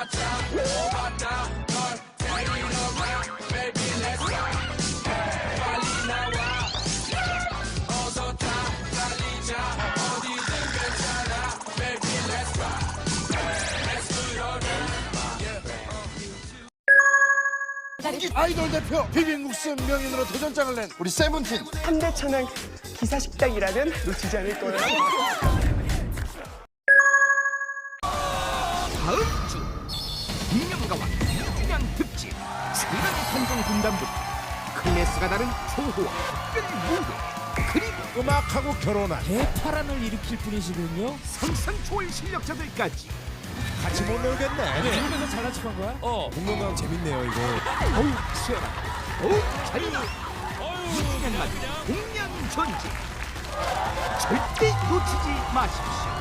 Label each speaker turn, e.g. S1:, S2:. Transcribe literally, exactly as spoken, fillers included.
S1: 아이돌 대표 비빔국수 명인으로 도전장을 낸 우리 세븐틴.
S2: 현대천왕 기사식당이라면 놓치지 않을 거예요.
S3: 다음 주 김명가와 이준양 특집 세간의 판정 군단부터 클래스가 다른 초호와 특별 무대 그리고
S1: 음악하고 결혼한
S4: 대파란을 일으킬 분이시군요.
S3: 상상 초월 실력자들까지
S1: 같이 못 놀겠네.
S4: 미국에서 잘난 척한 거야? 어.
S1: 공룡강 재밌네요 이거.
S3: 더욱 치열하고 더욱 잔인하고 이준양만 공명전진 절대 놓치지 마십시오.